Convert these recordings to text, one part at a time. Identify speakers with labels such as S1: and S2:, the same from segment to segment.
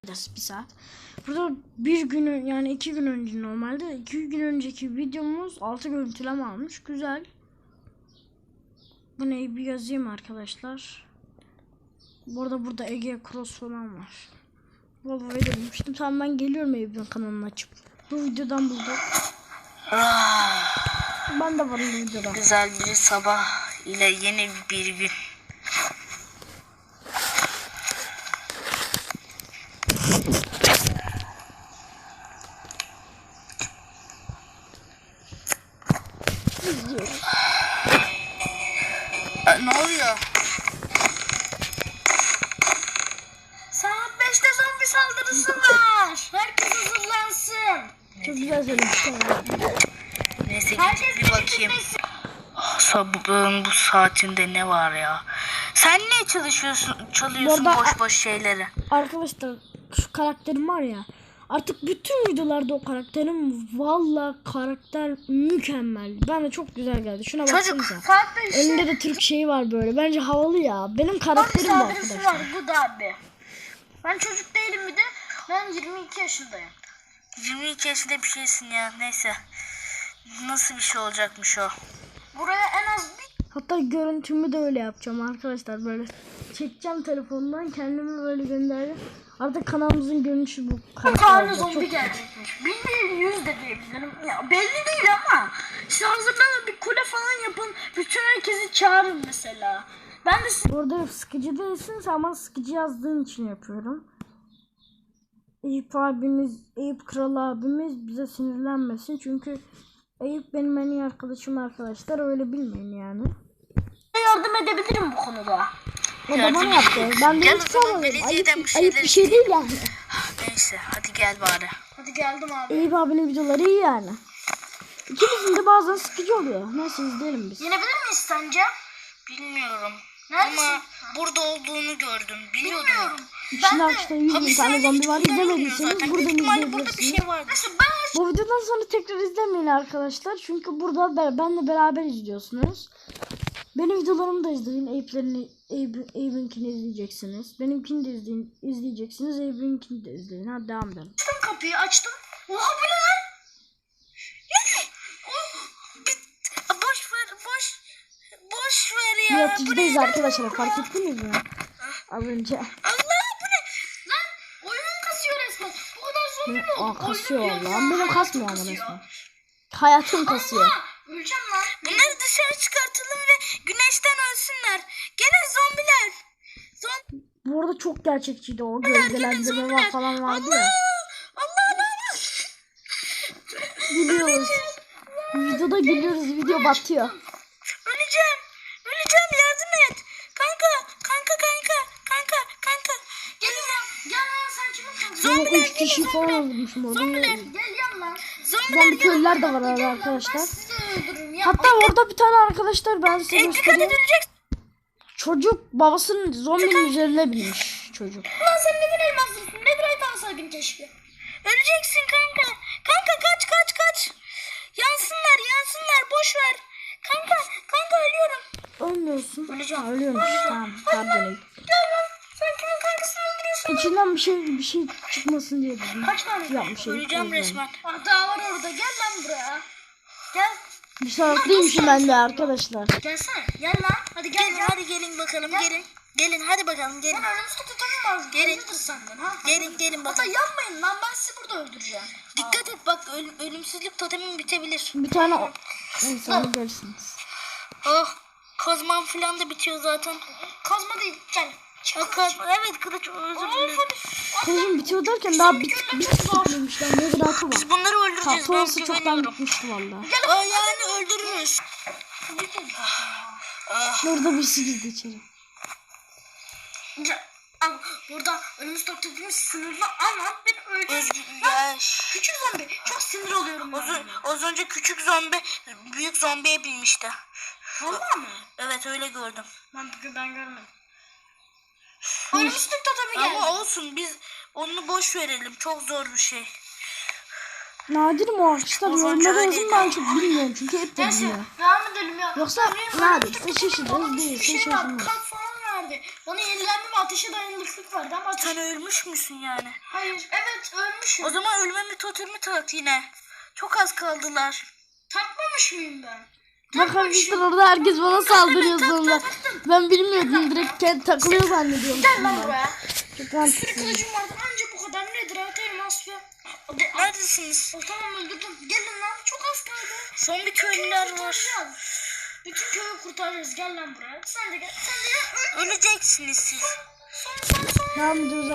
S1: bir saat. Burada bir gün yani 2 gün önce normalde 2 gün önceki videomuz 6 görüntüleme almış. Güzel. Bu neyi bir yazayım arkadaşlar. Burada Ege Cross falan var. Vallahi demiştim. Tamam ben geliyorum Eyüp'ün kanalını açıp. Bu videodan buldum. Ben de varım bu videoda.
S2: Güzel bir sabah ile yeni bir gün.
S1: İzliyoruz.
S2: Ne oluyor? Saat 5'te zombi saldırısı var. Herkes hazırlansın.
S1: Çok güzel söylemişsin.
S2: Neyse gidip bir bakayım. Sabahın bu saatinde ne var ya? Sen niye çalıyorsun boş boş şeyleri?
S1: Arkadaşlar şu karakterim var ya. Artık bütün videolarda o karakterim karakter mükemmel. Bana çok güzel geldi. Şuna baksanıza. Önünde de Türk şeyi var böyle. Bence havalı ya. Benim karakterim bu arkadaşlar.
S2: Var bu da abi. Ben çocuk değilim bir de. Ben 22 yaşındayım. 22 yaşında bir şeysin ya. Neyse. Nasıl bir şey olacakmış o? Buraya en az bir...
S1: Hatta görüntümü de öyle yapacağım arkadaşlar. Böyle çekeceğim telefondan kendimi böyle göndereceğim. Artık kanalımızın görünüşü bu.
S2: Bir tane zombi gelecekmiş. Bildiğin 100 de diyebilirim. Ya belli değil ama. İşte hazırlanın bir kule falan yapın. Bütün herkesi çağırın mesela. Ben de size...
S1: Orada sıkıcı değilsin ama sıkıcı yazdığın için yapıyorum. Eyüp Kral abimiz bize sinirlenmesin. Çünkü Eyüp benim en iyi arkadaşım arkadaşlar. Öyle bilmeyin yani.
S2: Yardım edebilirim bu konuda.
S1: O da bana yaptı. Ben de hiç sormadım. Ayıp bir şey değil yani.
S2: Neyse hadi gel bari. Hadi geldim abi.
S1: Eyüp abinin videoları iyi yani. İkimizin de bazen sıkıcı oluyor. Neyse izleyelim biz.
S2: Yenebilir miyiz sence? Bilmiyorum. Neredesin? Ama burada olduğunu gördüm. Bilmiyorum.
S1: İçinde arkadaşlar 100.000 tane zombi var. İzlemediyseniz buradan izleyebilirsiniz.
S2: Bir şey var.
S1: Bu videodan sonra tekrar izlemeyin arkadaşlar. Çünkü burada benle beraber izliyorsunuz. Benim videolarımı da izleyin. Eyüp'ünkini izleyeceksiniz. Benimkini de izleyeceksiniz. Eyüp'ünkini de izleyin. Hadi devam edelim.
S2: Açtım kapıyı açtım. Oha bu ne lan? Boş ver ya.
S1: Yaratıcıdayız arkadaşlar. Fark ettiniz mi? Az önce.
S2: Allah bu ne? Lan oyunum kasıyor resmen. Bu kadar zombi mi oldu?
S1: Kasıyor lan. Benim kasmıyor ama resmen. Hayatım kasıyor.
S2: Allah, öleceğim lan. Bunları dışarı çıkartalım ve güneşten ölsünler. Gelin zombiler.
S1: Bu arada çok gerçekçiydi o. Gölgelendirme falan vardı ya.
S2: Allah.
S1: Gülüyoruz. Videoda gülüyoruz. Video batıyor.
S2: Öleceğim yardım et. Kanka. Gel lan sen kimin kanka?
S1: Ben 3 kişi falan öldürmüşüm orada.
S2: Gel yan.
S1: Zombi köylüler de var arada arkadaşlar.
S2: Sizi öldürürüm ya.
S1: Hatta orada bir tane arkadaşlar ben size
S2: Dikkat
S1: göstereyim.
S2: edileceksin.
S1: Çocuk babasının zombinin üzerine binmiş çocuk.
S2: Lan sen neden elmaslısın? Nedir alsaydın keşke. Öleceksin kanka. Kanka kaç. Yansınlar boş ver. Kanka ölüyorum.
S1: Ölmüyorsun.
S2: Öleceğim.
S1: Ha, ölüyormuş. Tamam. Pardon.
S2: Gel lan. Sen kimin kankasını öldürüyorsun?
S1: İçinden bir şey çıkmasın diye dedim.
S2: Kaç tane?
S1: Yapmış.
S2: Öleceğim resmen. Daha var orada. Gel lan buraya. Gel.
S1: Bir salaklıymışım ben de arkadaşlar.
S2: Gelsene. Gel lan. Hadi gel. Hadi gelin bakalım. Gelin hadi bakalım gelin. Ben ölümsüzlük tutamam lazım. Gelin. Senden, ha? Gelin bakalım. Hatta yanmayın lan ben sizi burada öldüreceğim. Dikkat et bak ölümsüzlük totemin bitebilir.
S1: Bir tane neyse onu görürsünüz.
S2: Oh kazmam falan da bitiyor zaten. Kazma değil gel. Evet kılıç özür dilerim.
S1: Kılıcım bitiyor derken daha bitmemiş lan. Ne gıratı var.
S2: Biz bunları öldüreceğiz.
S1: Sonrası çoktan bitmişti valla.
S2: Yani öldürürüz.
S1: Burada bir girdi içeri.
S2: Burada önümüz toplumumuz sınırlı ama ben öleceğim. Küçük zombi. Çok sinir oluyorum. Az önce küçük zombi büyük zombiye binmişti. Valla mı? Evet öyle gördüm. Ben görmedim. Önümüz toplumu geldi. Ama olsun biz onu boş verelim. Çok zor bir şey.
S1: Nadir mi o arkadaşlar? Yorumlara yazın ben çok bilmiyorum çünkü hep de bilmiyorum.
S2: Devam edelim ya.
S1: Yoksa nadir. Şaşırırız değil. Şaşırırız.
S2: Kalk falan verdi. zombi. Bana yenilenme ve ateşe dayanıklılık verdi ama
S3: Sen ölmüş müsün yani?
S2: hayır, evet ölmüşüm.
S3: O zaman ölmemi totemi tak yine. Çok az kaldılar.
S2: Takmamış mıyım ben?
S1: Bak arkadaşlar orada herkes bana saldırıyor sonra. Ben bilmiyordum, direkt kendi takılıyor zannediyorum.
S2: Gel lan buraya.
S1: Çok
S2: Bir sürü
S1: mantıklı.
S2: kılıcım vardı anca bu kadar. Nedir evet elmas ya.
S3: Neredesiniz?
S2: Tamam öldürdüm. Gelin lan çok az kaldı.
S3: Son bir köylüler var.
S2: Bütün köyü kurtaracağız. Gel lan buraya. Sen de gel. Sen de gel.
S3: Öleceksiniz siz.
S2: Son.
S1: Devam ediyoruz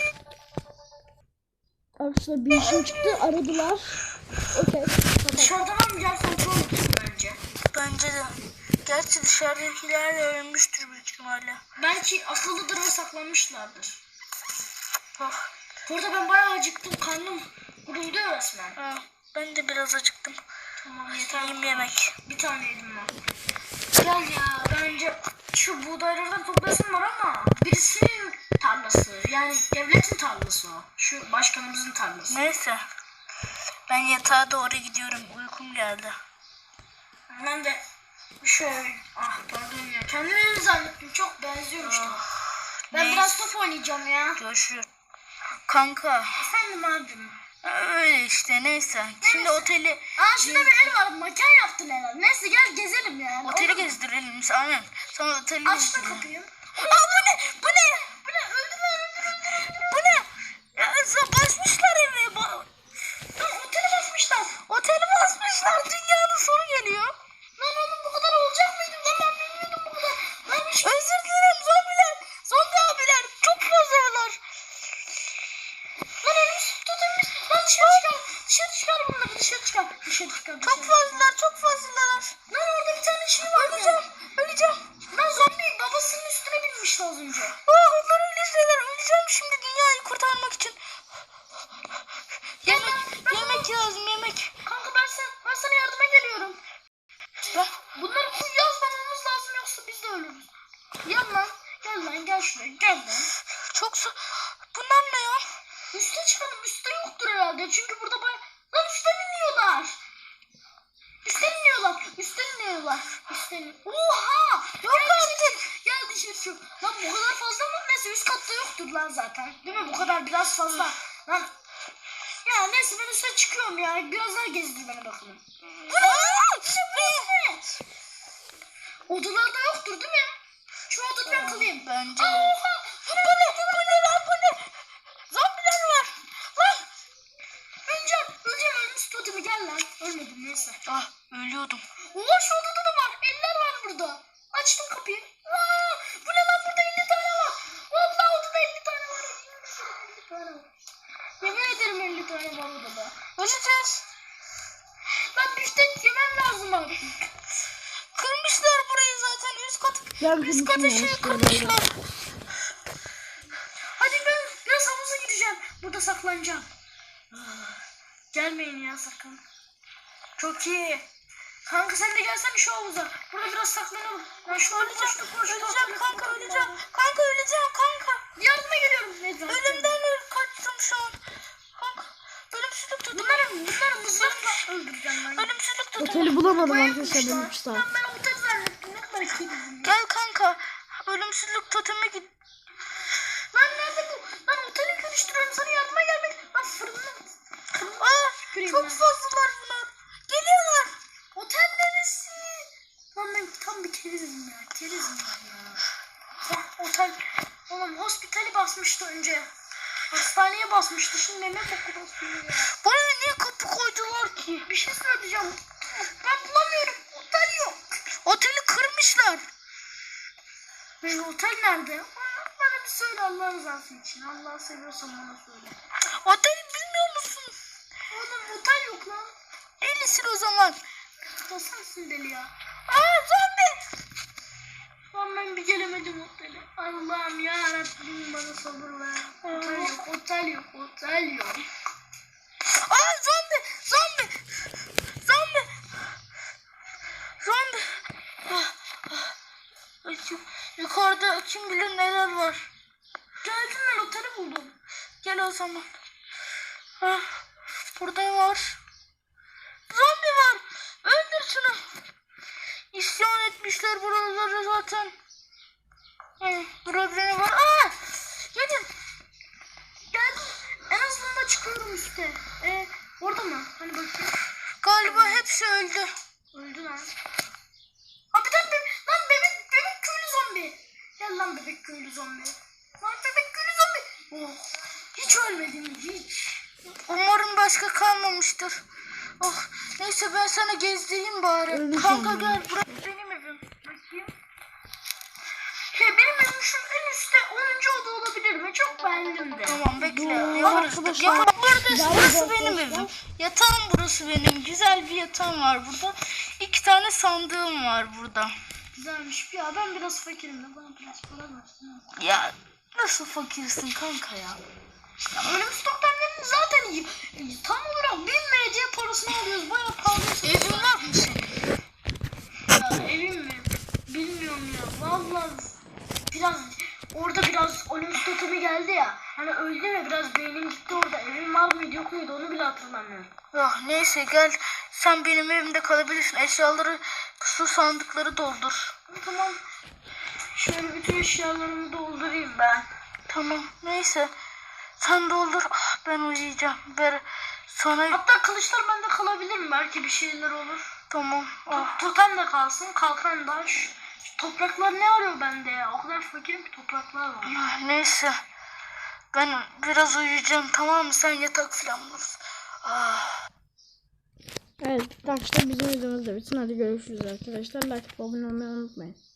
S1: arkadaşlar. Bir işim çıktı, aradılar. Okey.
S2: Dışarıdan almayacağım kontrol etsin bence.
S3: Bence de. Gerçi dışarıdakiler de ölmüştür büyük ihtimalle.
S2: Belki akıllıdır ve saklanmışlardır.
S3: Oh.
S2: Bu arada ben bayağı acıktım. Karnım gurulduyor resmen.
S3: Ha, ben de biraz acıktım.
S2: Tamam yeter.
S3: Yiyeyim yemek.
S2: Bir tane yedim ben. Gel ya. Bence şu buğdaylardan toplasın var ama birisinin tarlası. Yani devletin tarlası o. Şu başkanımızın tarlası.
S3: Neyse. Ben yatağa doğru gidiyorum. Uykum geldi.
S2: Ben de şöyle pardon ya. Kendimi öyle zannettim. Çok benziyor işte. Ben
S3: neyse.
S2: biraz top oynayacağım ya.
S3: Görüşürüz. Kanka.
S2: Efendim abim.
S3: Öyle işte neyse. Şimdi oteli
S2: Şurada bir el var. Makan yaptın herhalde. Neyse gel gezelim ya.
S3: oteli gezdirelim. Aynen. Sonra oteli
S2: Aç da
S3: gezdirelim.
S2: kapıyı.
S3: Aa, bu ne? Bu ne?
S2: Bu ne? Öldür.
S3: Bu ne? Ya, basmışlar evi.
S2: Oteli basmışlar.
S3: Oteli basmışlar. Dünyanın sonu geliyor.
S2: Lan oğlum bu kadar olacak mıydı? Lan ben bilmiyordum bu kadar. Lan
S3: Özür dilerim zombiler. Zombi abiler. Çok fazlalar.
S2: Lan ölmüş tutulmuş. Lan dışarı çıkar. Dışarı çıkar bunları. Dışarı çıkar.
S3: Çok fazlalar. Çok fazlalar.
S2: Lan orada bir tane şey var.
S3: Öleceğim.
S2: Lan zombi babasının üstüne binmişti az önce.
S3: Onlar öyle şeyler. Öleceğim şimdi dünyayı kurtarmak için. Yemek lazım yemek.
S2: Kanka ben sana yardıma geliyorum. Bunları yazmamamız lazım yoksa biz de ölürüz. Gel lan. Gel şuraya. Gel lan.
S3: Bunlar ne ya?
S2: Üste çıkalım. Üste yoktur herhalde. Çünkü burada lan üstten iniyorlar. Oha! Yok artık. Gel dışarı çık. Lan bu kadar fazla mı? Neyse üst katta yoktur lan zaten. Değil mi? Bu kadar biraz fazla. Lan. Ya neyse ben üste çıkıyorum ya. Biraz daha gezdir bana bakalım. Odalarda yoktur değil mi? Şu odada ben kalayım.
S3: Bence.
S2: Oha!
S3: Bu ne lan bu ne? Zombiler var. Lan.
S2: Öleceğim ölmüş totemi gel lan. Ölmedim neyse.
S3: Ölüyordum.
S2: Oha şu odada da var. Eller var burada. Açtım kapıyı. Bu ne lan burada 50 tane var. Vallahi odada 50 tane var. 50 tane var. Yemin ederim 50 tane var odada.
S3: Öleceğiz.
S2: Lan biftek yemem lazım abi.
S3: Kırmışlar burayı zaten. Üst
S1: Yardım
S3: katı
S1: için
S3: şey
S1: ya,
S3: kırmışlar.
S2: Hadi ben biraz havuza gideceğim. Burada saklanacağım. Gelmeyin ya sakın. Çok iyi. Kanka sen de gelsene şu havuza. Burada biraz saklanalım. Ben şu öleceğim kanka.
S3: Kanka öleceğim kanka.
S2: Yardıma geliyorum.
S3: Ölümden kaçtım şu an. Kanka. Ölümsüzlük tutun.
S2: Bunları mızrakla öldüreceğim ben.
S3: Ölümsüzlük tutun.
S1: Oteli bulamadım arkadaşlar, benim saat.
S2: Lan ben otel zannettim. Ne kadar kıydım.
S3: Gel kanka. Ölümsüzlük toteme git.
S2: Lan nerede bu? Lan oteli karıştırıyorum. Sana yardıma gelmek. Lan fırını.
S3: Çok fazlalar bunlar. Geliyorlar.
S2: Otel neresi? Lan ben tam bir kerizim ya. Kerizim ben ya. Otel. Oğlum hospitali basmıştı önce. Hastaneye basmıştı. Şimdi meme koku basıyor ya.
S3: Buraya niye kapı koydular ki?
S2: Bir şey söyleyeceğim. Ben bulamıyorum. Otel yok.
S3: Oteli kırmışlar.
S2: Benim otel nerede? Bana bir söyle Allah rızası için. Allah'ı seviyorsan bana söyle.
S3: Oteli bilmiyor musun?
S2: Oğlum otel yok lan.
S3: Delisin o zaman.
S2: Da sensin deli ya.
S3: Zombi.
S2: Lan ben bir gelemedim otele. Allah'ım ya Rabbim bana sabır ver. Otel yok.
S3: Zombi. Yukarıda kim bilir neler var.
S2: Geldim ben oteli buldum.
S3: Gel o zaman. Burada var. Zombi var. Öldür şunu. İsyan etmişler buraları zaten. Burada var.
S2: Gelin. Geldim. En azından çıkıyorum üstte. Orada mı? Hani bakayım.
S3: Galiba hepsi öldü.
S2: Öldü lan. Hakikaten lan bebek köylü zombi. Gel lan bebek köylü zombi. Lan bebek köylü zombi. Oh. Hiç ölmedim hiç.
S3: Umarım başka kalmamıştır. Oh, neyse ben sana gezdireyim bari.
S1: Öldü
S3: Kanka
S1: sandım.
S3: gel buraya.
S2: Benim evim. Bakayım. Benim evim şu en üstte 10. oda olabilir mi? Çok beğendim de.
S3: Tamam bekle.
S1: Dur,
S3: Yaparız.
S1: arkadaşlar.
S3: Ya burası
S1: Gel
S3: benim
S1: arkadaşlar.
S3: evim. Yatağım burası benim. Güzel bir yatağım var burada. 2 tane sandığım var burada.
S2: Güzelmiş. Ya ben biraz fakirim de bana biraz para versin.
S3: Ya nasıl fakirsin kanka ya?
S2: Ya ölüm stoklarının zaten iyi. Tam olarak 1000 MC parasını alıyoruz. Bayağı pahalı.
S3: Evin var mı senin?
S2: Ya evim mi? Bilmiyorum ya. Vallahi orada biraz ölüm stokumu geldi ya. Hani öldüm ya biraz beynim gitti orada. Evim var mıydı yok muydu onu bile hatırlamıyorum.
S3: Ya neyse gel sen benim evimde kalabilirsin. Eşyaları, su sandıkları doldur.
S2: Tamam. Şöyle bütün eşyalarımı doldurayım ben.
S3: Tamam neyse. Sen doldur. Ben uyuyacağım. Sana
S2: Hatta kılıçlar bende kalabilir mi? Belki bir şeyler olur.
S3: tamam.
S2: Totem de kalsın. Kalkan da. Şu topraklar ne arıyor bende ya? O kadar fakirim ki topraklar var.
S3: Neyse. Ben biraz uyuyacağım tamam mı? Sen yatak falan bulursun.
S1: Evet arkadaşlar bizim videomuz da bitsin. Hadi görüşürüz arkadaşlar. Like, abone olmayı unutmayın.